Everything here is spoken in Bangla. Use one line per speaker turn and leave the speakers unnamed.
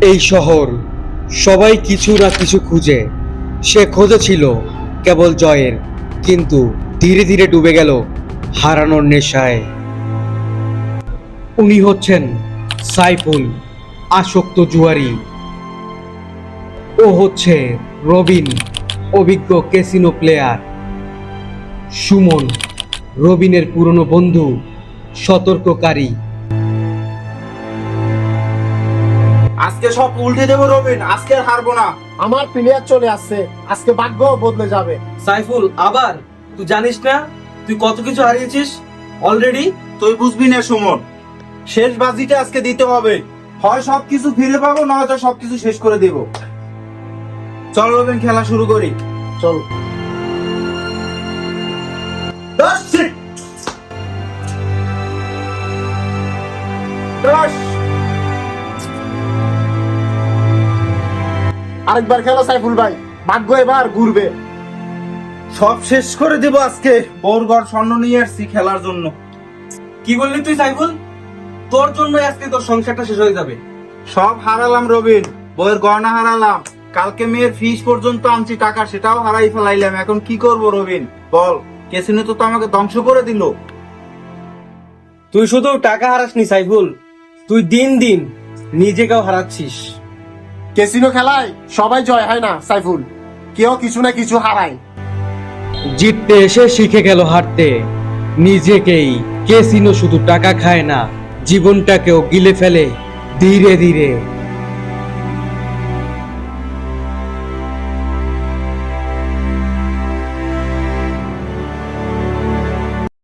এই শহর সবাই কিছু না কিছু খুঁজে। সে খুঁজেছিল কেবল জয়ের, কিন্তু ধীরে ধীরে ডুবে গেল হারানোর নেশায়। উনি হচ্ছেন সাইফুল, আসক্ত জুয়ারি। ও হচ্ছে রবিন, অভিজ্ঞ ক্যাসিনো প্লেয়ার। সুমন, রবিনের পুরনো বন্ধু, সতর্ককারী।
আজকে সব উল্টে দেবো রবিন, আজকে আর হারবো না।
আমার প্লেয়ার চলে আসছে, আজকে ভাগ্য বদলে যাবে।
সাইফুল, আবার তুই জানিস না তুই কত কিছু হারিয়েছিস অলরেডি।
তুই বুঝবি না সুমন, শেষ বাজিটা আজকে দিতে হবে। হয় সবকিছু ফিরে পাবো, নয়তো সবকিছু শেষ করে দেব। চল রবিন, খেলা শুরু করি।
চল। আরেকবার খেলো সাইফুল ভাই, ভাগ্য এবার ঘুরবে।
সব শেষ করে দেব আজকে। বৌরগড় স্বর্ণ নিয়ে আসছি খেলার জন্য।
কি বললি তুই সাইফুল? তোর জন্য আজকে তোর সংসারটা শেষ হয়ে যাবে।
সব হারালাম রবিন, বইয়ের গয়না হারালাম, কালকে মেয়ের ফিস পর্যন্ত আনছি টাকা, সেটাও হারাই ফেলাইলাম। এখন কি করব রবিন বল? কেসিনো তো আমাকে ধ্বংস করে দিল।
তুই শুধু টাকা হারাসনি সাইফুল, তুই দিন দিন নিজেকেও হারাচ্ছিস।
ক্যাসিনো খেলায় সবাই জয় হয় না সাইফুল, কেউ কিছু না কিছু হারায়।
জিততে এসে শিখে গেল হারতে নিজেকেই। ক্যাসিনো শুধু টাকা খায় না, জীবনটাকেও গিলে ফেলে ধীরে ধীরে।